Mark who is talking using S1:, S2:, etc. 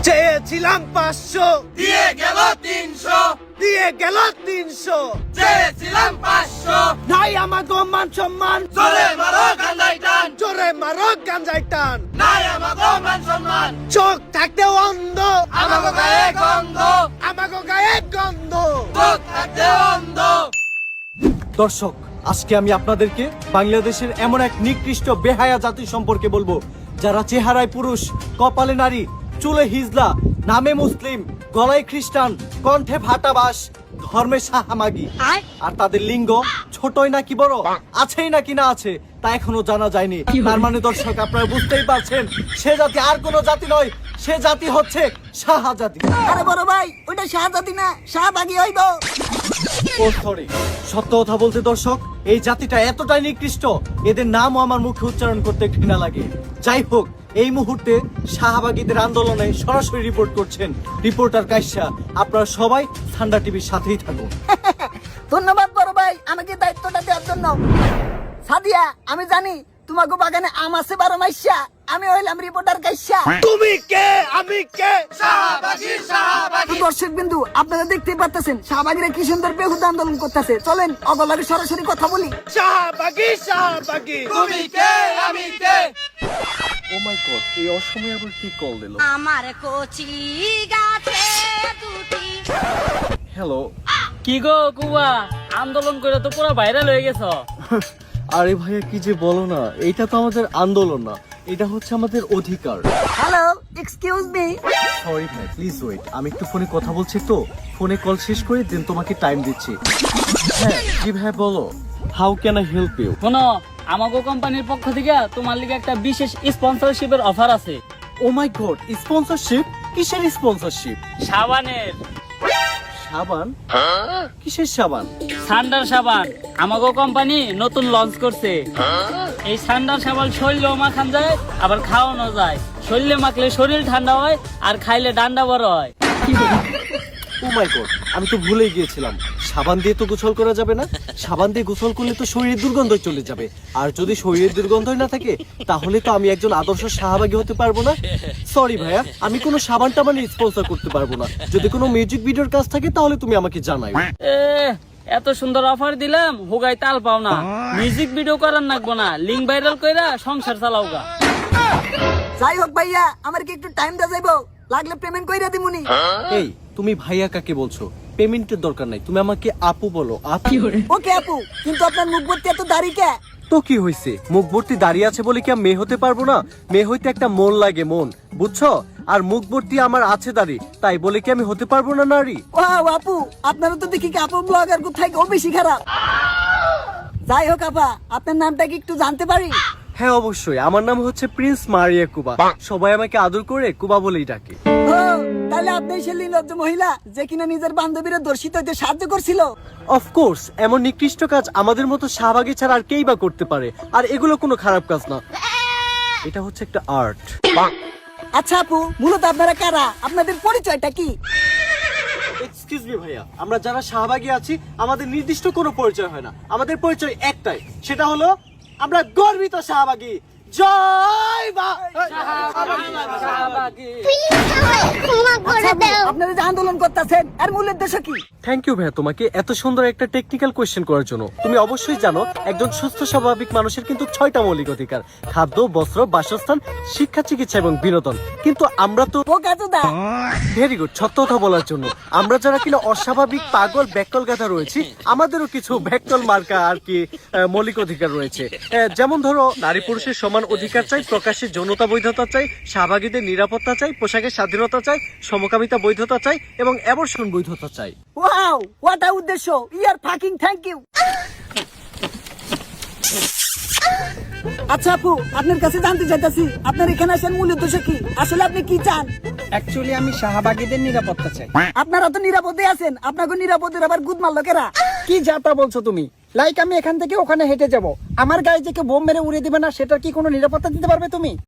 S1: চেয়েছিলাম 500,
S2: দিয়ে গেল 300,
S1: দিয়ে গেল 300।
S2: চেয়েছিলাম 500,
S1: নাই আমাগো মান সম্মান,
S2: জোরে মারো গান্ধাই টান,
S1: জোরে মারো গাঞ্জাই টান।
S2: নাই আমাগো মান সম্মান,
S1: চোখ থাকতে অন্ধ,
S2: আমাগো গায়ে গন্ধ,
S1: আমাগো গায়ে গন্ধ।
S2: চোখ থাকতে অন্ধ।
S3: দর্শক, আজকে আমি আপনাদেরকে বাংলাদেশের এমন এক নিকৃষ্ট বেহায়া জাতি সম্পর্কে বলবো, যারা চেহারায় পুরুষ, কপালে নারী, চুলে হিজলা, নামে মুসলিম, গলায় খ্রিস্টান, কণ্ঠে ভাটাবাস, ধর্মে সাহামাগি। আর তাদের লিঙ্গ ছোটই নাকি বড়, আছেই নাকি না আছে তা এখনো জানা যায়নি। তার মানে দর্শক, আপনারা বুঝতেই পারছেন, সে জাতি আর কোনো জাতি নয়, সে জাতি হচ্ছে সাহা জাতি।
S4: আরে বড় ভাই, ওটা শাহজাদি না, শাহবাগী হইব।
S3: ও সরি, সত্য কথা বলতে দর্শক, এই জাতিটা এতটাই নিকৃষ্ট, এদের নামও আমার মুখে উচ্চারণ করতে ঘৃণা লাগে। যাই হোক, এই মুহূর্তে শাহবাগীদের আন্দোলনে সরাসরি রিপোর্ট করছেন রিপোর্টার কাইসা। আপনারা সবাই ঠান্ডা টিভির সাথেই থাকুন।
S4: ধন্যবাদ বড় ভাই আমাকে দায়িত্বটা দেওয়ার জন্য। সাদিয়া, আমি জানি তোমাকে বাগানে আম আছে 12 মাইশা, আমি হইলাম রিপোর্টার কাইসা।
S1: তুমি কে, আমি কে?
S2: শাহবাগী, শাহবাগী,
S4: দর্শক বিন্দু, আপনারা দেখতেই পারতেছেন শাহবাগীরা কি সুন্দর বেহুদা আন্দোলন করতেছে। চলেন অগলাকে সরাসরি কথা বলি।
S1: শাহবাগী, শাহবাগী।
S2: তুমি কে, আমি কে?
S3: ও মাই গড, এই অসময়ে আবার কি কল দিল?
S5: আমার কচি গাছে দুটি।
S3: হ্যালো।
S6: কি গো কুয়া, আন্দোলন করে তো পুরো ভাইরাল হয়ে গেছ।
S3: আরে ভাইয়া, কি যে বলো না, এইটা তো আমাদের আন্দোলন না, এটা হচ্ছে আমাদের অধিকার।
S4: Hello, excuse me.
S3: সরি ভাই, প্লিজ ওয়েট, আমি একটু ফোনে কথা বলছি তো, ফোনে কল শেষ করে দেন তোমাকে টাইম দিচ্ছি। হ্যাঁ জি ভাই, বলো, how can I help you?
S6: শোনো, আমাগো কোম্পানির পক্ষ থেকে তোমার লিগে একটা বিশেষ স্পন্সরশিপের অফার আছে।
S3: Oh my god, sponsorship? কিসের স্পন্সরশিপ?
S6: সাবানের।
S3: সাবান? কিসের সাবান?
S6: সান্ডার সাবান আমাগো কোম্পানি নতুন লঞ্চ করছে। এই সান্ডার সাবান শরীরেও মাখান যায়, আবার খাওয়ানো যায়। শরীরে মাখলে শরীর ঠান্ডা হয়, আর খাইলে ডান্ডা বড় হয়।
S3: ও মাই গড, আমি তো ভুলেই গিয়েছিলাম, সাবান দিয়ে তো গোসল করা যাবে না। সাবান দিয়ে গোসল করলে তো শরীরের দুর্গন্ধ চলে যাবে, আর যদি শরীরের দুর্গন্ধই না থাকে, তাহলে তো আমি একজন আদর্শ শাহবাগী হতে পারবো না। সরি ভাইয়া, আমি কোনো সাবান টাবান স্পন্সর করতে পারবো না। যদি কোনো মিউজিক ভিডিওর কাজ থাকে তাহলে তুমি আমাকে জানাই।
S6: এ, এত সুন্দর অফার দিলাম, হুগাই তাল পাও না। মিউজিক ভিডিও করার নাগবো না, লিঙ্ক ভাইরাল কইরা সংসার চালাও গা।
S4: যাই হোক ভাইয়া, আমার কি একটু টাইম দেওয়া যাইবো? লাগলে পেমেন্ট কইরা দিমুনি।
S3: এই, তুমি ভাইয়া কাকে বলছো? পেমেন্টের দরকার নাই, তুমি আমাকে আপু বলো। আপু?
S4: ওকে আপু, কিন্তু আপনার মুখ ভর্তি এত দাড়ি কে?
S3: তো কি হয়েছে, মুখ ভর্তি দাঁড়িয়ে আছে বলে কি আমি মেয়ে হতে পারবো না? মেয়ে হইতে একটা মন লাগে, মন, বুঝছো? আর মুখ ভর্তি আমার আছে দাড়ি, তাই বলে কি আমি হতে পারবো না নারী?
S4: ওয়াও আপু, আপনারা তো দেখি কি আপু ব্লগার কোথায় ও বেশি খারাপ। যাই হোক আপা, আপনার নামটা কি একটু জানতে পারি?
S3: হ্যাঁ অবশ্যই, আমার নাম হচ্ছে প্রিন্স মারিয়া কুবা। সবাই আমাকে আদর করে কুবা বলেই ডাকে।
S4: ও, তাহলে আপনি সেই নির্লজ্জ মহিলা যে কিনা নিজের বান্ধবীরা দর্শিত হইতে সাহায্য করছিল।
S3: অফকোর্স, এমন নিকৃষ্ট কাজ আমাদের মতো শাহবাগী ছাড়া আর কেই বা করতে পারে, আর এগুলো কোনো খারাপ কাজ না, এটা হচ্ছে একটা আর্ট।
S4: আচ্ছা আপু, মূলত আপনারা কারা? আপনাদের পরিচয়টা কি?
S3: এক্সকিউজ মি ভাইয়া, আমরা যারা শাহবাগী আছি আমাদের নির্দিষ্ট কোনো পরিচয় হয় না, আমাদের পরিচয় একটাই, সেটা হলো আমরা গর্বিত শাহবাগী। জয়
S4: আপনারা যে আন্দোলন করতেছেন এর মূল উদ্দেশ্য কি?
S3: থ্যাংক ইউ ভাইয়া তোমাকে এত সুন্দর একটা টেকনিক্যাল কোয়েশ্চেন করার জন্য। তুমি অবশ্যই জানো, একজন সুস্থ স্বাভাবিক মানুষের কিন্তু 6টা মৌলিক অধিকার: খাদ্য, বস্ত্র, বাসস্থান, শিক্ষা, চিকিৎসা এবং বিনোদন। কিন্তু আমরা তো ভেরি গুড, সত্য কথা বলার জন্য আমরা যারা কিনা অস্বাভাবিক, পাগল, ব্যাককল গাধা রয়েছি, আমাদেরও কিছু ব্যাককল মার্কা আর কি মৌলিক অধিকার রয়েছে। যেমন ধরো, নারী পুরুষের সমান অধিকার চাই, প্রকাশ্যে যৌনতা বৈধতা চাই, শাহবাগীদের নিরাপত্তা চাই, পোশাকের স্বাধীনতা চাই, সমকামিতা বৈধতা চাই এবং অ্যাবর্শন বৈধতা চাই।
S4: ওয়াও, হোয়াট আ উদ্দেশ্য! ইয়ার ফাকিং থ্যাংক ইউ। আচ্ছা আপু, আপনার কাছে জানতে চাইতাছি, আপনার এখানে আসার মূল উদ্দেশ্য কি? আসলে আপনি কি চান?
S7: অ্যাকচুয়ালি আমি শাহবাগীদের নিরাপত্তা চাই।
S4: আপনারা তো নিরাপদে আছেন, আপনাকে নিরাপদের আবার গুদ মারলো কেরা?
S7: কি যাতা বলছো তুমি? লাইক আমি এখান থেকে ওখানে হেঁটে যাব, আমার গায়ে যে কেউ বোম মেরে উড়িয়ে দিবে না, সেটার কি কোনো নিরাপত্তা দিতে পারবে তুমি?